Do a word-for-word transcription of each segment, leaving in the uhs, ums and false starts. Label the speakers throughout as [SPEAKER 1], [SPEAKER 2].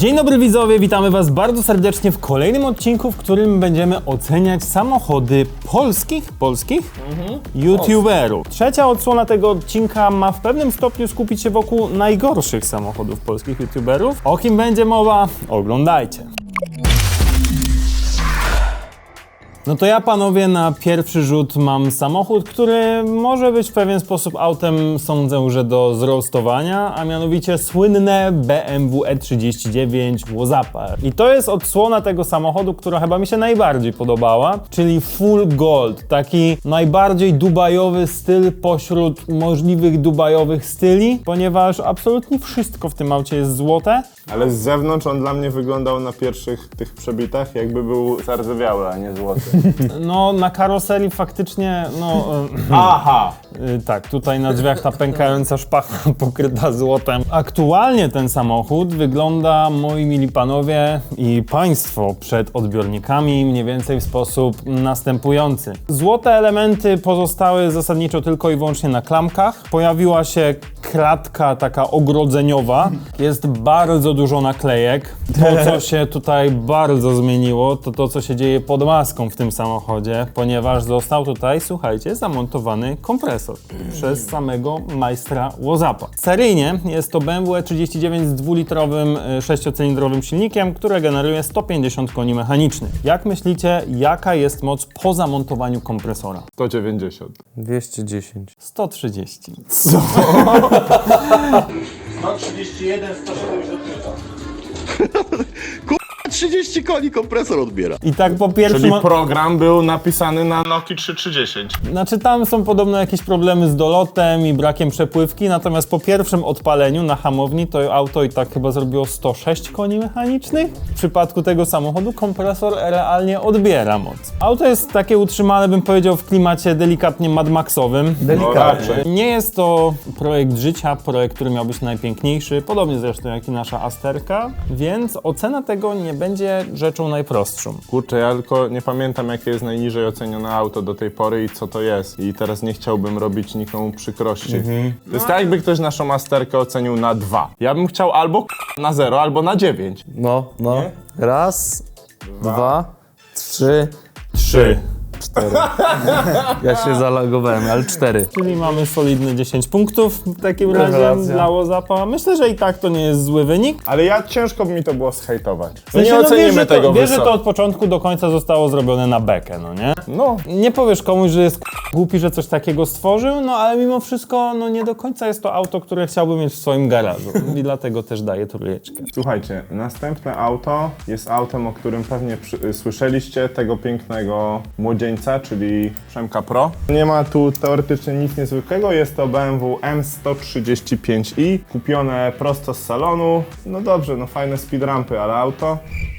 [SPEAKER 1] Dzień dobry widzowie, witamy was bardzo serdecznie w kolejnym odcinku, w którym będziemy oceniać samochody polskich, polskich mhm. youtuberów. Trzecia odsłona tego odcinka ma w pewnym stopniu skupić się wokół najgorszych samochodów polskich youtuberów. O kim będzie mowa? Oglądajcie. No to ja, panowie, na pierwszy rzut mam samochód, który może być w pewien sposób autem, sądzę, że do zroastowania, a mianowicie słynne B M W E trzydzieści dziewięć Wozapper. I to jest odsłona tego samochodu, która chyba mi się najbardziej podobała, czyli full gold, taki najbardziej dubajowy styl pośród możliwych dubajowych styli, ponieważ absolutnie wszystko w tym aucie jest złote.
[SPEAKER 2] Ale z zewnątrz on dla mnie wyglądał na pierwszych tych przebitach, jakby był zardzewiały, a nie złoty.
[SPEAKER 1] No, na karoserii faktycznie, no...
[SPEAKER 2] Aha!
[SPEAKER 1] Yy, tak, tutaj na drzwiach ta pękająca szpacha pokryta złotem. Aktualnie ten samochód wygląda, moi mili panowie i państwo, przed odbiornikami mniej więcej w sposób następujący. Złote elementy pozostały zasadniczo tylko i wyłącznie na klamkach. Pojawiła się kratka taka ogrodzeniowa. Jest bardzo dużo naklejek. To, co się tutaj bardzo zmieniło, to to, co się dzieje pod maską w tym samochodzie, ponieważ został tutaj, słuchajcie, zamontowany kompresor przez samego majstra Wozapa. Seryjnie jest to B M W E trzydzieści dziewięć z dwulitrowym sześciocylindrowym silnikiem, które generuje sto pięćdziesiąt koni mechanicznych. Jak myślicie, jaka jest moc po zamontowaniu kompresora?
[SPEAKER 2] sto dziewięćdziesiąt.
[SPEAKER 3] dwieście dziesięć.
[SPEAKER 1] sto trzydzieści.
[SPEAKER 2] Co?
[SPEAKER 4] sto trzydzieści jeden, sto siedemdziesiąt trzy.
[SPEAKER 5] trzydzieści koni kompresor odbiera.
[SPEAKER 1] I tak po pierwszym...
[SPEAKER 2] Czyli program był napisany na Nokii trzy tysiące trzysta.
[SPEAKER 1] Znaczy tam są podobno jakieś problemy z dolotem i brakiem przepływki, natomiast po pierwszym odpaleniu na hamowni to auto i tak chyba zrobiło sto sześć koni mechanicznych. W przypadku tego samochodu kompresor realnie odbiera moc. Auto jest takie utrzymane, bym powiedział, w klimacie delikatnie Mad Maxowym.
[SPEAKER 2] Delikatnie.
[SPEAKER 1] Nie jest to projekt życia, projekt, który miał być najpiękniejszy, podobnie zresztą jak i nasza Asterka, więc ocena tego nie będzie rzeczą najprostszą.
[SPEAKER 2] Kurczę, ja tylko nie pamiętam, jakie jest najniżej ocenione auto do tej pory i co to jest. I teraz nie chciałbym robić nikomu przykrości. Mhm. To jest tak, jakby ktoś naszą Asterkę ocenił na dwa. Ja bym chciał albo na zero, albo na dziewięć.
[SPEAKER 3] No, no.
[SPEAKER 2] Nie?
[SPEAKER 3] Raz, dwa, dwa trzy,
[SPEAKER 1] Trzy.
[SPEAKER 3] cztery. Ja się zalogowałem, ale cztery.
[SPEAKER 1] Czyli mamy solidne dziesięć punktów w takim razie
[SPEAKER 3] Rewelacja.
[SPEAKER 1] dla Wozapa. Myślę, że i tak to nie jest zły wynik.
[SPEAKER 2] Ale ja ciężko by mi to było zhejtować.
[SPEAKER 1] W sensie,
[SPEAKER 2] Nie
[SPEAKER 1] no
[SPEAKER 2] ocenimy
[SPEAKER 1] wiesz, że to,
[SPEAKER 2] tego
[SPEAKER 1] wiesz, że
[SPEAKER 2] wysoko.
[SPEAKER 1] to od początku do końca zostało zrobione na bekę, no nie?
[SPEAKER 2] No.
[SPEAKER 1] Nie powiesz komuś, że jest głupi, że coś takiego stworzył, no ale mimo wszystko, no nie do końca jest to auto, które chciałbym mieć w swoim garażu i dlatego też daję trójeczkę.
[SPEAKER 2] Słuchajcie, następne auto jest autem, o którym pewnie przy, słyszeliście, tego pięknego młodzieńca, czyli Przemka Pro. Nie ma tu teoretycznie nic niezwykłego, jest to B M W M sto trzydzieści pięć i, kupione prosto z salonu. No dobrze, no fajne speedrampy, ale auto...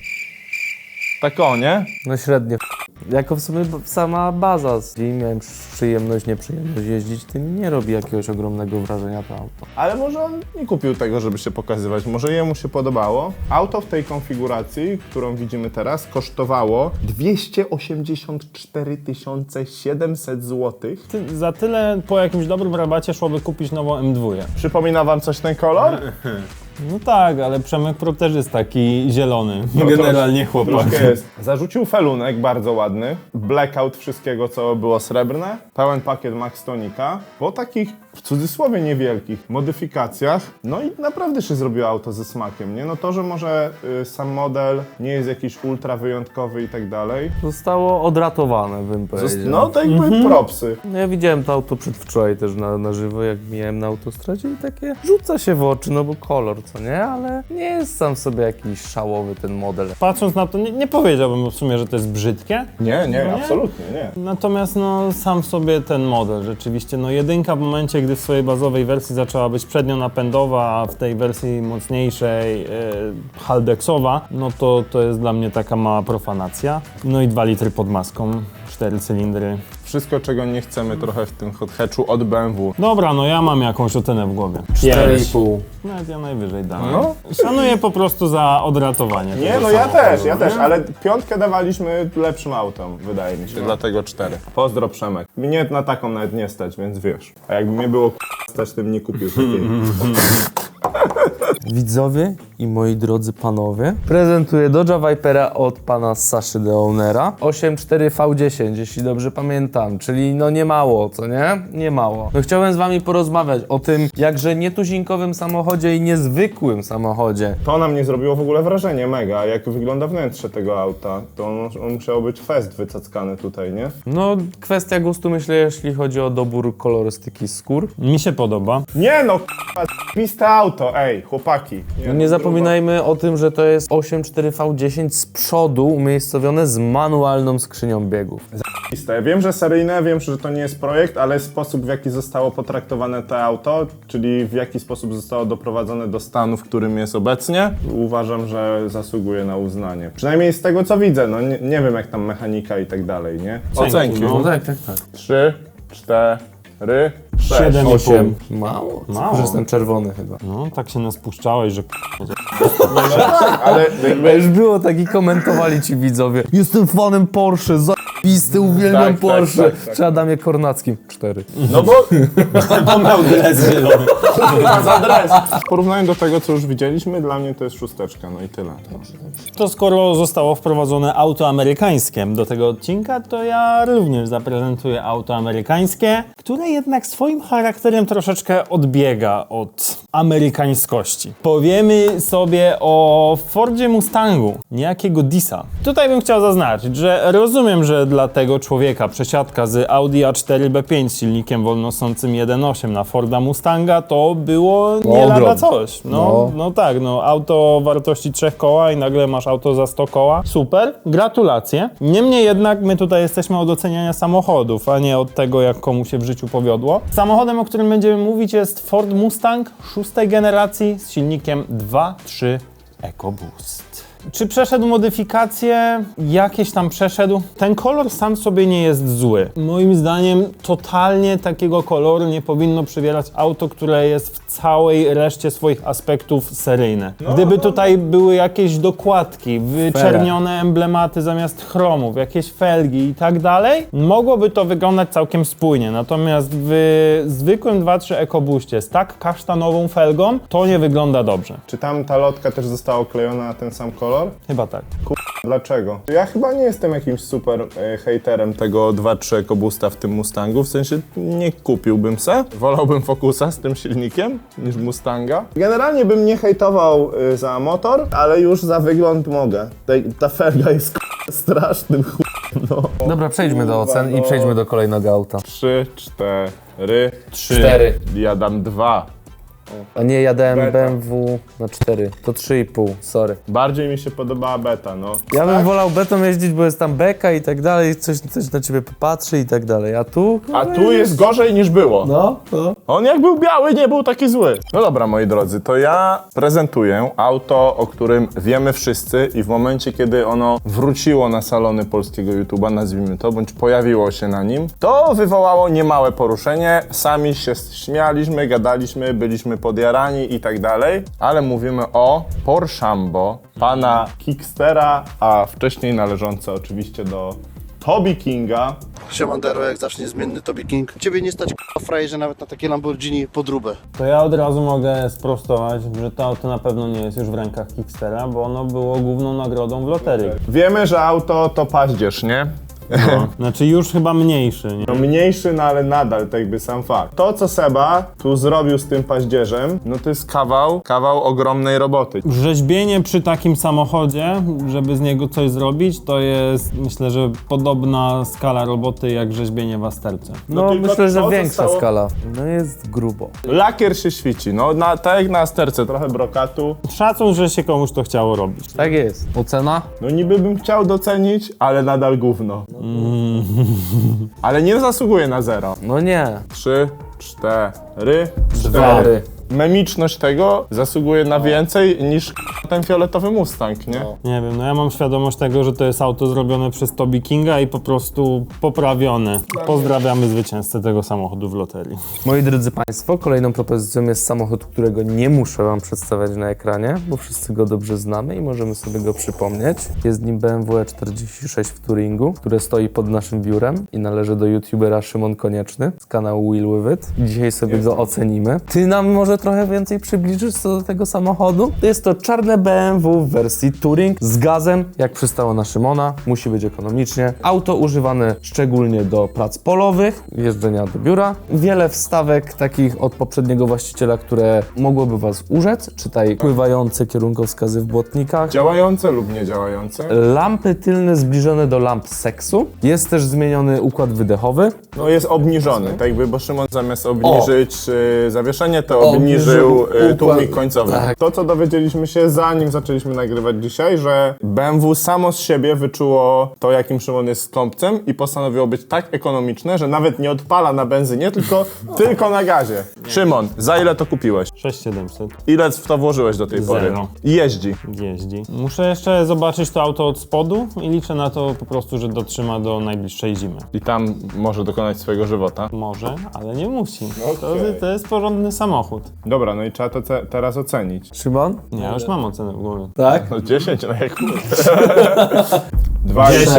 [SPEAKER 2] Tak o, nie?
[SPEAKER 3] No średnio. Jako w sumie sama baza. Jeśli miałem przyjemność, nieprzyjemność jeździć, tym nie robi jakiegoś ogromnego wrażenia to auto.
[SPEAKER 2] Ale może on nie kupił tego, żeby się pokazywać, może jemu się podobało. Auto w tej konfiguracji, którą widzimy teraz, kosztowało dwieście osiemdziesiąt cztery tysiące siedemset złotych.
[SPEAKER 1] Ty, za tyle po jakimś dobrym rabacie szłoby kupić nową M dwa.
[SPEAKER 2] Przypomina wam coś ten kolor?
[SPEAKER 1] No tak, ale Przemek Pro też jest taki zielony.
[SPEAKER 2] No
[SPEAKER 1] Generalnie
[SPEAKER 2] trosz-
[SPEAKER 1] chłopak.
[SPEAKER 2] troszkę jest. Zarzucił felunek bardzo ładny, blackout wszystkiego, co było srebrne, pełen pakiet Max Tonika, po takich w cudzysłowie niewielkich modyfikacjach, no i naprawdę się zrobiło auto ze smakiem, nie? No to, że może y, sam model nie jest jakiś ultra wyjątkowy i tak dalej.
[SPEAKER 3] Zostało odratowane, bym powiedział.
[SPEAKER 2] No to jakby propsy.
[SPEAKER 3] No ja widziałem to auto przedwczoraj też na, na żywo, jak mijałem na autostradzie i takie rzuca się w oczy, no bo kolor, co nie? Ale nie jest sam sobie jakiś szałowy ten model.
[SPEAKER 1] Patrząc na to, nie, nie powiedziałbym w sumie, że to jest brzydkie.
[SPEAKER 2] Nie, nie,
[SPEAKER 1] No nie?
[SPEAKER 2] absolutnie nie.
[SPEAKER 1] Natomiast no sam sobie ten model rzeczywiście, no jedynka w momencie, gdy w swojej bazowej wersji zaczęła być przednionapędowa, a w tej wersji mocniejszej yy, haldexowa, no to to jest dla mnie taka mała profanacja. No i dwa litry pod maską, cztery cylindry.
[SPEAKER 2] Wszystko, czego nie chcemy trochę w tym hot hatchu od B M W.
[SPEAKER 1] Dobra, no ja mam jakąś ocenę w głowie.
[SPEAKER 3] cztery i pół.
[SPEAKER 1] Nawet ja najwyżej dam.
[SPEAKER 2] No.
[SPEAKER 1] Szanuję po prostu za odratowanie.
[SPEAKER 2] Nie,
[SPEAKER 1] tego
[SPEAKER 2] no ja
[SPEAKER 1] samochodu,
[SPEAKER 2] też, ja
[SPEAKER 1] nie?
[SPEAKER 2] też, ale piątkę dawaliśmy lepszym autom, wydaje mi się, dlatego cztery. Pozdro Przemek. Mnie na taką nawet nie stać, więc wiesz. A jakby mnie było k***a stać, tym nie kupił takiej.
[SPEAKER 3] Widzowie i moi drodzy panowie, prezentuję Dodge'a Vipera od pana Saszy de Ownera. osiem cztery V dziesięć, jeśli dobrze pamiętam, czyli no nie mało, co nie? Nie mało. No chciałem z wami porozmawiać o tym jakże nietuzinkowym samochodzie i niezwykłym samochodzie.
[SPEAKER 2] To na mnie zrobiło w ogóle wrażenie mega, jak wygląda wnętrze tego auta. To on, on musiał być fest wycackany tutaj, nie?
[SPEAKER 3] No kwestia gustu, myślę, jeśli chodzi o dobór kolorystyki skór.
[SPEAKER 1] Mi się podoba.
[SPEAKER 2] Nie no, k***a, piste auto, ej, chłopaki. Nie,
[SPEAKER 3] No nie
[SPEAKER 2] no,
[SPEAKER 3] zapominajmy o tym, że to jest osiem cztery V dziesięć z przodu umiejscowione z manualną skrzynią biegów.
[SPEAKER 2] Piste. Wiem, że seryjne, wiem, że to nie jest projekt, ale sposób, w jaki zostało potraktowane to auto, czyli w jaki sposób zostało doprowadzone do stanu, w którym jest obecnie, uważam, że zasługuje na uznanie. Przynajmniej z tego, co widzę, no nie, nie wiem, jak tam mechanika i tak dalej, nie? Ocenki.
[SPEAKER 1] no.
[SPEAKER 3] tak, tak, tak.
[SPEAKER 2] Trzy, cztery, sześć.
[SPEAKER 1] Siedem i pół.
[SPEAKER 3] osiem. Mało?
[SPEAKER 1] Mało.
[SPEAKER 3] Że jestem czerwony chyba.
[SPEAKER 1] No, tak się nas puszczałeś, że
[SPEAKER 2] Ale jakby,
[SPEAKER 3] Już było tak i komentowali ci widzowie. Jestem fanem Porsche, zajebisty, uwielbiam
[SPEAKER 2] Tak, tak,
[SPEAKER 3] Porsche.
[SPEAKER 2] tak, tak.
[SPEAKER 3] Czy Adamie Kornackim? Cztery.
[SPEAKER 2] no bo
[SPEAKER 1] on miał dres zielony.
[SPEAKER 2] za dres. W porównaniu do tego, co już widzieliśmy, dla mnie to jest szósteczka, no i tyle.
[SPEAKER 1] To skoro zostało wprowadzone auto amerykańskie do tego odcinka, to ja również zaprezentuję auto amerykańskie, które jednak swoim charakterem troszeczkę odbiega od amerykańskości. Powiemy sobie o Fordzie Mustangu, niejakiego Disa. Tutaj bym chciał zaznaczyć, że rozumiem, że dla tego człowieka przesiadka z Audi A cztery B pięć z silnikiem wolnosącym jeden przecinek osiem na Forda Mustanga to było nie lada
[SPEAKER 3] ogrom.
[SPEAKER 1] coś. No,
[SPEAKER 3] No.
[SPEAKER 1] no tak, no auto wartości trzech koła i nagle masz auto za sto koła. Super, gratulacje. Niemniej jednak my tutaj jesteśmy od oceniania samochodów, a nie od tego, jak komu się w życiu powiodło. Samochodem, o którym będziemy mówić, jest Ford Mustang szóstej generacji z silnikiem dwa trzy EcoBoost. Czy przeszedł modyfikacje? Jakieś tam przeszedł. Ten kolor sam sobie nie jest zły. Moim zdaniem totalnie takiego koloru nie powinno przywierać auto, które jest w całej reszcie swoich aspektów seryjne. Gdyby tutaj były jakieś dokładki, wyczernione emblematy zamiast chromów, jakieś felgi i tak dalej, mogłoby to wyglądać całkiem spójnie. Natomiast w zwykłym dwa trzy EcoBoostie z tak kasztanową felgą to nie wygląda dobrze.
[SPEAKER 2] Czy tam ta lotka też została oklejona na ten sam kolor?
[SPEAKER 1] Chyba tak.
[SPEAKER 2] Dlaczego? Ja chyba nie jestem jakimś super e, hejterem tego dwa trzy EcoBoosta w tym Mustangu, w sensie nie kupiłbym se. Wolałbym Focusa z tym silnikiem niż Mustanga. Generalnie bym nie hejtował y, za motor, ale już za wygląd mogę. Ta, ta felga jest k***a, strasznym ch... no.
[SPEAKER 3] Dobra, przejdźmy do ocen i
[SPEAKER 2] no.
[SPEAKER 3] przejdźmy do kolejnego auta.
[SPEAKER 2] Trzy, cztery,
[SPEAKER 1] Trzy.
[SPEAKER 3] Cztery.
[SPEAKER 2] ja dam dwa.
[SPEAKER 3] A nie, ja dałem
[SPEAKER 2] Beta.
[SPEAKER 3] B M W na cztery. To trzy i pół, sorry.
[SPEAKER 2] Bardziej mi się podobała beta, no.
[SPEAKER 3] Ja bym wolał betą jeździć, bo jest tam beka i tak dalej, coś, coś na ciebie popatrzy i tak dalej. A tu?
[SPEAKER 2] A tu jest gorzej niż było.
[SPEAKER 3] No, no.
[SPEAKER 2] On jak był biały, nie był taki zły. No dobra, moi drodzy, to ja prezentuję auto, o którym wiemy wszyscy i w momencie, kiedy ono wróciło na salony polskiego YouTube'a, nazwijmy to, bądź pojawiło się na nim, to wywołało niemałe poruszenie. Sami się śmialiśmy, gadaliśmy, byliśmy podjarani i tak dalej, ale mówimy o Porschambo pana Kickstera, a wcześniej należące oczywiście do Toby Kinga.
[SPEAKER 5] Siemandero, jak zawsze niezmienny Toby King. Ciebie nie stać k***a frajerze nawet na takie Lamborghini podróbę.
[SPEAKER 1] To ja od razu mogę sprostować, że to auto na pewno nie jest już w rękach Kickstera, bo ono było główną nagrodą w loterii.
[SPEAKER 2] Wiemy, że auto to paździerz, nie?
[SPEAKER 1] No. Znaczy już chyba mniejszy, nie?
[SPEAKER 2] No mniejszy, no ale nadal, tak jakby sam fakt. To, co Seba tu zrobił z tym paździerzem, no to jest kawał, kawał ogromnej roboty.
[SPEAKER 1] Rzeźbienie przy takim samochodzie, żeby z niego coś zrobić, to jest, myślę, że podobna skala roboty jak rzeźbienie w Asterce.
[SPEAKER 3] No,
[SPEAKER 2] tylko
[SPEAKER 3] myślę, że
[SPEAKER 2] to
[SPEAKER 3] większa
[SPEAKER 2] zostało-
[SPEAKER 3] skala. No jest grubo.
[SPEAKER 2] Lakier się świeci, no na, tak jak na Asterce, trochę brokatu.
[SPEAKER 1] Szacun, że się komuś to chciało robić.
[SPEAKER 3] Tak jest. Ocena?
[SPEAKER 2] No niby bym chciał docenić, ale nadal gówno. Ale nie zasługuje na zero.
[SPEAKER 3] No nie.
[SPEAKER 2] Trzy, cztery,
[SPEAKER 3] Cztery.
[SPEAKER 2] Memiczność tego zasługuje na więcej niż ten fioletowy Mustang, nie?
[SPEAKER 1] Nie wiem, no ja mam świadomość tego, że to jest auto zrobione przez Toby Kinga i po prostu poprawione. Pozdrawiamy zwycięzcę tego samochodu w loterii.
[SPEAKER 3] Moi drodzy Państwo, kolejną propozycją jest samochód, którego nie muszę Wam przedstawiać na ekranie, bo wszyscy go dobrze znamy i możemy sobie go przypomnieć. Jest nim B M W E czterdzieści sześć w Touringu, które stoi pod naszym biurem i należy do youtubera Szymon Konieczny z kanału Wheel With It. I dzisiaj sobie go ocenimy. Ty nam może trochę więcej przybliżysz co do tego samochodu? To jest to czarne B M W w wersji Touring z gazem, jak przystało na Szymona. Musi być ekonomicznie. Auto używane szczególnie do prac polowych, jeżdżenia do biura. Wiele wstawek takich od poprzedniego właściciela, które mogłoby was urzec. Czytaj pływające kierunkowskazy w błotnikach.
[SPEAKER 2] Działające lub niedziałające?
[SPEAKER 3] Lampy tylne zbliżone do lamp seksu. Jest też zmieniony układ wydechowy.
[SPEAKER 2] No jest obniżony, tak jakby, bo Szymon zamiast obniżyć y, zawieszenie, to
[SPEAKER 3] Obniżył
[SPEAKER 2] obniżył y, tłumik
[SPEAKER 3] układ-
[SPEAKER 2] końcowy.
[SPEAKER 3] tak.
[SPEAKER 2] To, co dowiedzieliśmy się zanim zaczęliśmy nagrywać dzisiaj, że B M W samo z siebie wyczuło to, jakim Szymon jest skąpcem i postanowiło być tak ekonomiczne, że nawet nie odpala na benzynie, tylko, tylko na gazie. Szymon, za ile to kupiłeś?
[SPEAKER 1] sześć tysięcy siedemset.
[SPEAKER 2] Ile w to włożyłeś do tej pory?
[SPEAKER 1] Zero.
[SPEAKER 2] I jeździ.
[SPEAKER 1] Jeździ. Muszę jeszcze zobaczyć to auto od spodu i liczę na to po prostu, że dotrzyma do najbliższej zimy.
[SPEAKER 2] I tam może dokonać swojego żywota.
[SPEAKER 1] Może, ale nie musi. To,
[SPEAKER 2] Okej.
[SPEAKER 1] to jest porządny samochód.
[SPEAKER 2] Dobra, no i trzeba to ce- teraz ocenić.
[SPEAKER 3] Szymon?
[SPEAKER 1] Nie, ja już mam ocenę w głowie.
[SPEAKER 3] Tak?
[SPEAKER 2] No dziesięć, no jak dwa i pół.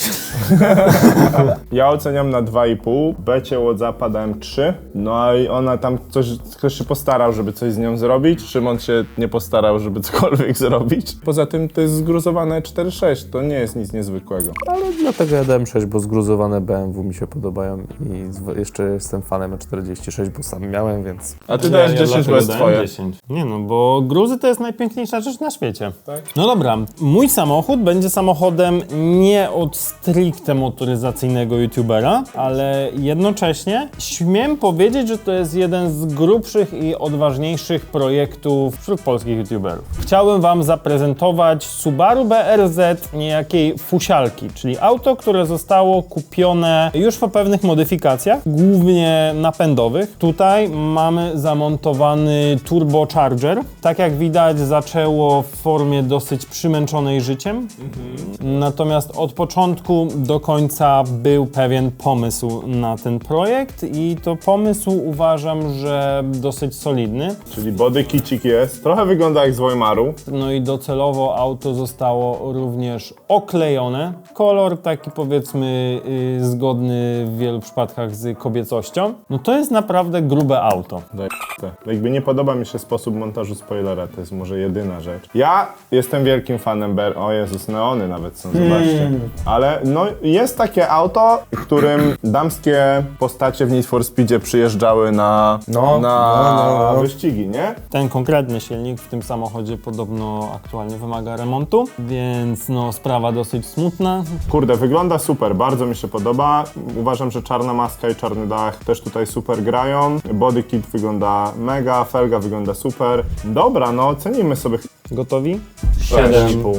[SPEAKER 2] Ja oceniam na dwa i pół. Becie Łodzapa dałem trzy. No i ona tam coś, ktoś się postarał, żeby coś z nią zrobić. Szymon się nie postarał, żeby cokolwiek zrobić. Poza tym to jest zgruzowane cztery sześć. To nie jest nic niezwykłego.
[SPEAKER 3] Ale dlatego ja dałem sześć, bo zgruzowane B M W mi się podobają i z- jeszcze jestem fanem E czterdzieści sześć, bo sam miałem, więc...
[SPEAKER 2] A ty dajesz dziesięć, bo
[SPEAKER 1] dlatego
[SPEAKER 2] jest
[SPEAKER 1] dałem
[SPEAKER 2] twoje.
[SPEAKER 1] dziesięć. Nie no, bo gruzy to jest najpiękniejsza rzecz na świecie. Tak? No dobra, mój samochód będzie samochodem nie od stricte motoryzacyjnego youtubera, ale jednocześnie śmiem powiedzieć, że to jest jeden z grubszych i odważniejszych projektów wśród polskich youtuberów. Chciałem wam zaprezentować Subaru B R Z niejakiej fusialki, czyli auto, które zostało kupione już po pewnych modyfikacjach, głównie napędowych. Tutaj mamy zamontowany turbocharger. Tak jak widać, zaczęło w formie dosyć przymęczonej życiem. Natomiast od początku do końca był pewien pomysł na ten projekt i to pomysł uważam, że dosyć solidny.
[SPEAKER 2] Czyli body kicik jest. Trochę wygląda jak z Weimaru.
[SPEAKER 1] No i docelowo auto zostało również oklejone. Kolor taki powiedzmy yy, zgodny w wielu przypadkach z kobiecością. No to jest naprawdę grube auto.
[SPEAKER 2] Jakby nie podoba mi się sposób montażu spoilera, to jest może jedyna rzecz. Ja jestem wielkim fanem B R... O Jezus, neony nawet są, zobaczcie. Ale no jest takie auto, którym damskie postacie w Need for Speedzie przyjeżdżały na,
[SPEAKER 3] No,
[SPEAKER 2] na
[SPEAKER 3] no, no.
[SPEAKER 2] wyścigi, nie?
[SPEAKER 1] Ten konkretny silnik w tym samochodzie podobno aktualnie wymaga remontu, więc no sprawa dosyć smutna.
[SPEAKER 2] Kurde, wygląda super, bardzo mi się podoba. Uważam, że czarna maska i czarny dach też tutaj super grają. Body kit wygląda mega, felga wygląda super. Dobra, no ocenimy sobie.
[SPEAKER 1] Gotowi?
[SPEAKER 2] sześć i pół.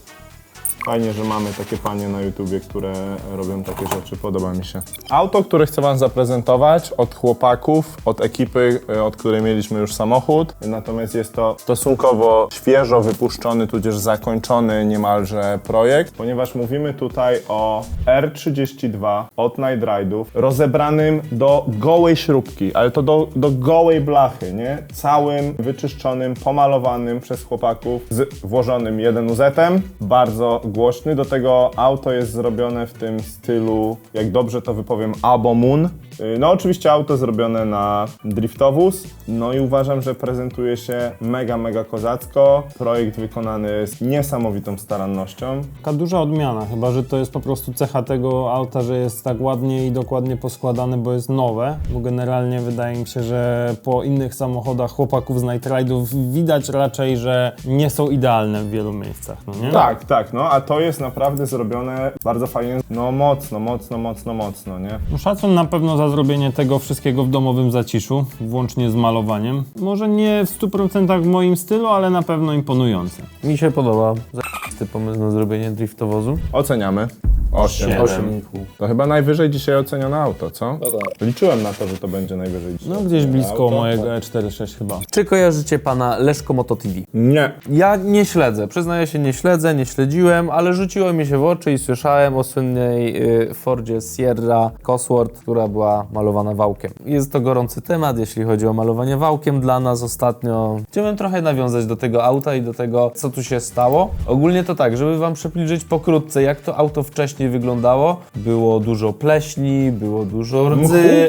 [SPEAKER 2] Fajnie, że mamy takie panie na YouTubie, które robią takie rzeczy, podoba mi się. Auto, które chcę wam zaprezentować od chłopaków, od ekipy, y, od której mieliśmy już samochód. Natomiast jest to stosunkowo świeżo wypuszczony, tudzież zakończony niemalże projekt, ponieważ mówimy tutaj o R trzydzieści dwa od Night Ride'ów, rozebranym do gołej śrubki, ale to do, do gołej blachy, nie? Całym wyczyszczonym, pomalowanym przez chłopaków z włożonym jeden U Z-em, bardzo głośny. Do tego auto jest zrobione w tym stylu, jak dobrze to wypowiem, Abo Moon. No oczywiście auto zrobione na driftowóz, no i uważam, że prezentuje się mega, mega kozacko. Projekt wykonany z niesamowitą starannością.
[SPEAKER 1] Taka duża odmiana, chyba że to jest po prostu cecha tego auta, że jest tak ładnie i dokładnie poskładane, bo jest nowe, bo generalnie wydaje mi się, że po innych samochodach chłopaków z Night Ride'ów widać raczej, że nie są idealne w wielu miejscach, no nie?
[SPEAKER 2] Tak, tak, no a to jest naprawdę zrobione bardzo fajnie, no mocno, mocno, mocno, mocno, nie?
[SPEAKER 1] No, szacun na pewno za zrobienie tego wszystkiego w domowym zaciszu, włącznie z malowaniem. Może nie w stu procentach w moim stylu, ale na pewno imponujące.
[SPEAKER 3] Mi się podoba. Zajebisty pomysł na zrobienie driftowozu.
[SPEAKER 2] Oceniamy. osiem.
[SPEAKER 1] Siedem.
[SPEAKER 3] osiem i pół.
[SPEAKER 2] To chyba najwyżej dzisiaj ocenione auto, co? Liczyłem na to, że to będzie najwyżej dzisiaj.
[SPEAKER 1] No gdzieś blisko
[SPEAKER 2] auto.
[SPEAKER 1] mojego E czterdzieści sześć chyba.
[SPEAKER 3] Czy kojarzycie pana Leszko Moto T V?
[SPEAKER 2] Nie.
[SPEAKER 3] Ja nie śledzę, przyznaję się, nie śledzę, nie śledziłem, ale rzuciło mi się w oczy i słyszałem o słynnej y, Fordzie Sierra Cosworth, która była malowana wałkiem. Jest to gorący temat, jeśli chodzi o malowanie wałkiem dla nas ostatnio. Chciałbym trochę nawiązać do tego auta i do tego, co tu się stało. Ogólnie to tak, żeby wam przybliżyć pokrótce, jak to auto wcześniej wyglądało. Było dużo pleśni, było dużo rdzy,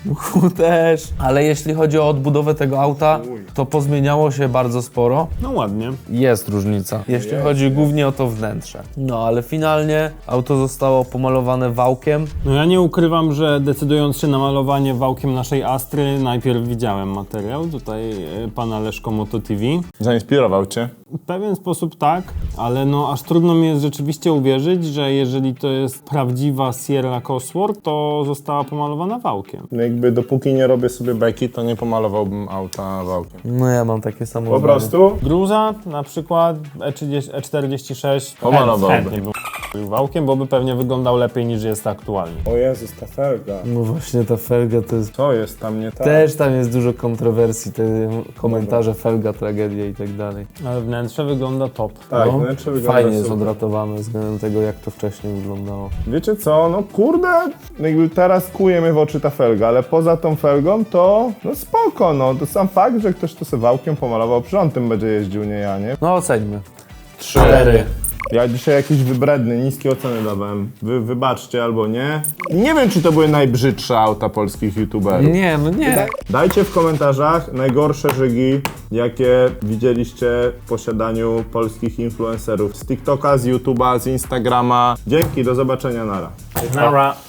[SPEAKER 3] Mchu też. Ale jeśli chodzi o odbudowę tego auta, to pozmieniało się bardzo sporo.
[SPEAKER 1] No ładnie.
[SPEAKER 3] Jest różnica, jeśli
[SPEAKER 2] Jest,
[SPEAKER 3] chodzi głównie o to wnętrze. No ale finalnie auto zostało pomalowane wałkiem.
[SPEAKER 1] No ja nie ukrywam, że decydując się na malowanie wałkiem naszej Astry, najpierw widziałem materiał tutaj e, pana Leszko Moto T V.
[SPEAKER 2] Zainspirował cię?
[SPEAKER 1] W pewien sposób tak, ale no aż trudno mi jest rzeczywiście uwierzyć, że jeżeli to jest prawdziwa Sierra Cosworth, to została pomalowana wałkiem.
[SPEAKER 2] No jakby dopóki nie robię sobie beki, to nie pomalowałbym auta wałkiem.
[SPEAKER 3] No ja mam takie samo
[SPEAKER 2] Po
[SPEAKER 3] zdanie.
[SPEAKER 2] prostu?
[SPEAKER 1] Gruza na przykład E trzydzieści, E czterdzieści sześć
[SPEAKER 2] Pomalowałby.
[SPEAKER 1] chętnie był wałkiem, bo by pewnie wyglądał lepiej niż jest aktualnie.
[SPEAKER 2] O Jezus, ta felga.
[SPEAKER 3] No właśnie ta felga to jest...
[SPEAKER 2] Co jest tam nie tak?
[SPEAKER 3] Też tam jest dużo kontrowersji, te komentarze, felga, tragedia i tak dalej.
[SPEAKER 1] Ale wnętrze wygląda top.
[SPEAKER 2] Tak,
[SPEAKER 3] No,
[SPEAKER 2] wnętrze wygląda
[SPEAKER 3] fajnie jest
[SPEAKER 2] super.
[SPEAKER 3] odratowane względem tego, jak to wcześniej wyglądało.
[SPEAKER 2] Wiecie co, no kurde, jakby teraz kuje mnie w oczy ta felga, ale poza tą felgą to no spoko, no to sam fakt, że ktoś to sobie wałkiem pomalował, przy on tym będzie jeździł, nie ja, nie?
[SPEAKER 3] No oceńmy.
[SPEAKER 2] Cztery. Ja dzisiaj jakiś wybredny, niskie oceny dawałem. Wy wybaczcie albo nie. Nie wiem, czy to były najbrzydsze auta polskich youtuberów.
[SPEAKER 3] Nie, no nie.
[SPEAKER 2] Dajcie w komentarzach najgorsze żygi, jakie widzieliście w posiadaniu polskich influencerów z TikToka, z YouTube'a, z Instagrama. Dzięki, do zobaczenia, nara.
[SPEAKER 1] Nara.